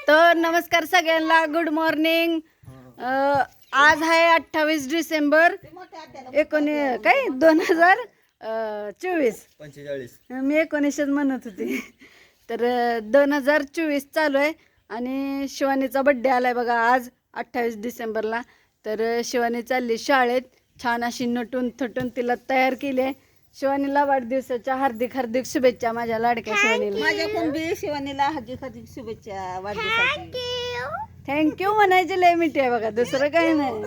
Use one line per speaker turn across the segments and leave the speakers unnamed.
तर नमस्कार सगळ्यांना, गुड मॉर्निंग. आज आहे 28 डिसेंबर 2024. मी 19 म्हणत होती. तर 2024 चालू आहे आणि शिवानीचा बड्डे आलाय बघा आज 28 डिसेंबरला. तर शिवानी चालली शाळेत, छान अशी नटून थटून तिला तयार केली आहे. शिवानीला वाढदिवसाच्या हार्दिक हार्दिक शुभेच्छा माझ्या लाडक्या शिवानीला.
माझ्याकडून बी शिवानीला हार्दिक हार्दिक शुभेच्छा वाढदिवसाची.
थँक्यू म्हणायचे लय मिठी आहे बघा, दुसरं काही नाही.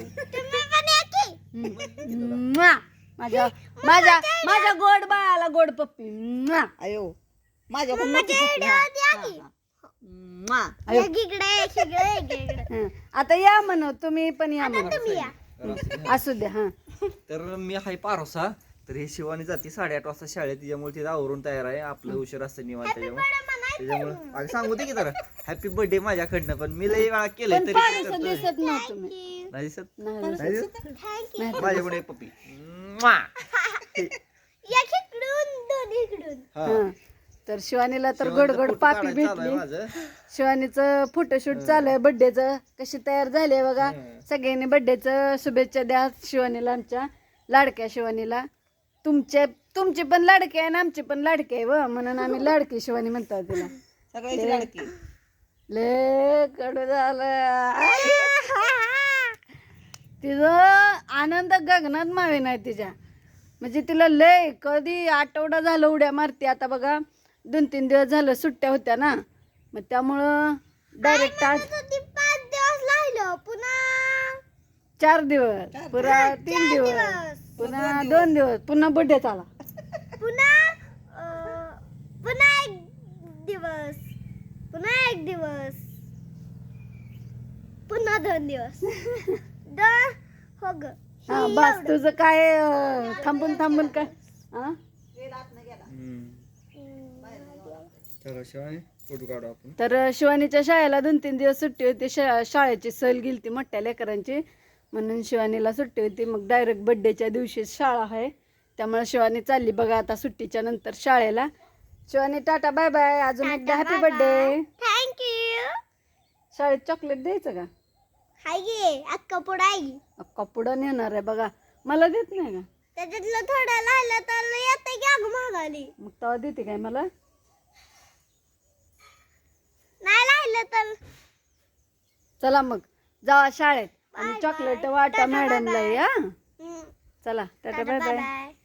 म्वा. माझ्या माझ्या माझ्या गोड बाळाला गोड पप्पी. म्वा.
अयो माझ्याकडून नको पप्पी.
हं. आता या म्हण, तुम्ही पण या म्हण. असू द्या. हा
तर मी हाय पारोसा. तर हे शिवानी जाते 8:30 वाजता शाळेत, तिच्यामुळे तिथं आवरून तयार आहे. आपलं उशीर असतं निवांत, त्याच्यामुळे अगं सांगू दे की जरा हॅपी बर्थडे माझ्याकडनं. पण मी लई वेळा केलंय
पण
तरी
फारसं दिसत नाही तुम्ही.
नाही दिसत.
नाही
नाही
दिसत.
दिसत माझ्याकडे एक पप्पी. म्वा. हा.
हं. तर शिवानीला तर
शिवानीचं
गोड गोड
फोटो
पापी
काढायचं चालू आहे
भेटली.
माझं.
शिवानीचं फोटोशूट चालू आहे बर्थडेचं. कशी तयार झाली बघा.
हं.
सगळ्यांनी बर्थडेचं शुभेच्छा द्या शिवानीला, आमच्या लाडक्या शिवानीला. तुमची पण लाडकी आहे आणि आमची पण लाडकी आहे व, म्हणून आम्ही लाडकी शिवानी म्हणतो तिला.
सगळ्याची लाडकी.
ले कडू झालं. तिचं आनंद गगनात मावे नाही तिच्या. म्हणजे तिला लय कधी आठवडा झालं उड्या मारते. आता बघा 2-3 दिवस झालं सुट्ट्या होत्या ना, मग त्यामुळं डायरेक्ट आज
5 दिवस राहिलो, पुन्हा
4 दिवस, पुन्हा 3 दिवस, पुन्हा 2 दिवस, पुन्हा बड्डे आला.
पुन्हा एक दिवस, पुन्हा 1 दिवस, पुन्हा 2 दिवस. हो ग.
हा बस, तुझं काय थांबून थांबून काय. हा
हम्म. चला शिवानी फोटो काढू आपण.
तर शिवानीच्या शाळेला 2-3 दिवस सुट्टी होती. शाळेची सहल गेली ती मोठ्या लेकरांची, म्हणून शिवानीला सुट्टी होती. मग डायरेक्ट बड्डेच्या दिवशी शाळा आहे, त्यामुळे शिवानी चालली बघा आता सुट्टीच्या नंतर शाळेला. शिवानी टाटा बाय बाय, अजून एकदा हॅपी बर्थडे.
थँक्यू.
शाळेत चॉकलेट द्यायचं का?
हाय गे अक्का पुढे
अक्का पुढं नेणार आहे बघा, मला देत नाही का?
त्याच्यातलं थोडं राहिलं तर येते की अगं महागाली.
मग तेव्हा देते काय मला?
नाही राहिलं तर
चला मग जावा शाळेत आणि चॉकलेट वाटा मॅडमला. या
हम्म.
चला टाटा बाय बाय.
बाय.